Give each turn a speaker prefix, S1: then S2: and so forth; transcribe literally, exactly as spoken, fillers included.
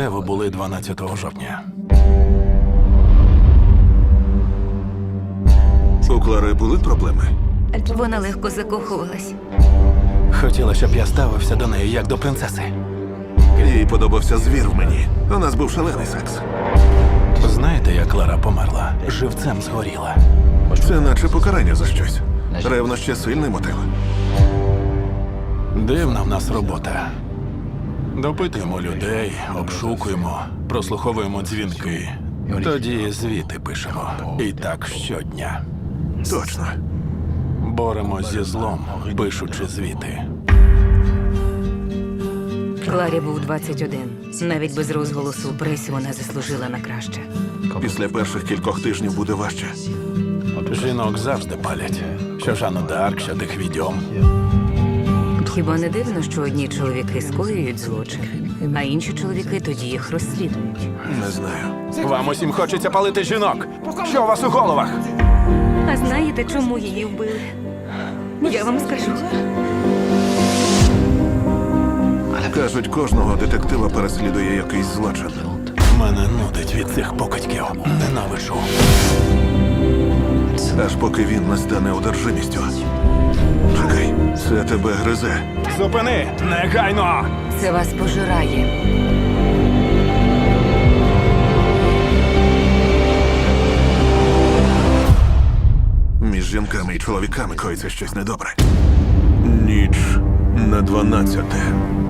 S1: Де ви були дванадцятого жовтня?
S2: У Клари були проблеми?
S3: Вона легко закохувалась.
S1: Хотіла, щоб я ставився до неї як до принцеси.
S2: Їй подобався звір в мені. У нас був шалений секс.
S1: Знаєте, як Клара померла? Живцем згоріла.
S2: Це наче покарання за щось. Ревнощі – сильний мотив.
S1: Дивна в нас робота. Допитуємо людей, обшукуємо, прослуховуємо дзвінки. Тоді звіти пишемо. І так щодня.
S2: Точно.
S1: Боремось зі злом, пишучи звіти.
S3: Кларі був двадцять один. Навіть без розголосу у пресі вона заслужила на краще.
S2: Після перших кількох тижнів буде важче.
S1: Жінок завжди палять. Що Жанну д'Арк, що тих відьом.
S3: Хіба не дивно, що одні чоловіки скоюють злочин, а інші чоловіки тоді їх розслідують?
S2: Не знаю.
S1: Вам усім хочеться палити жінок. Що у вас у головах?
S3: А знаєте, чому її вбили? Я вам скажу.
S2: Кажуть, кожного детектива переслідує якийсь злочин.
S1: Мене нудить від цих покидьків. Ненавиджу.
S2: Аж поки він не стане одержимістю. Чекай, це тебе гризе.
S1: Зупини! Негайно!
S3: Це вас пожирає.
S2: Між жінками і чоловіками коїться щось недобре. Ніч на дванадцяте.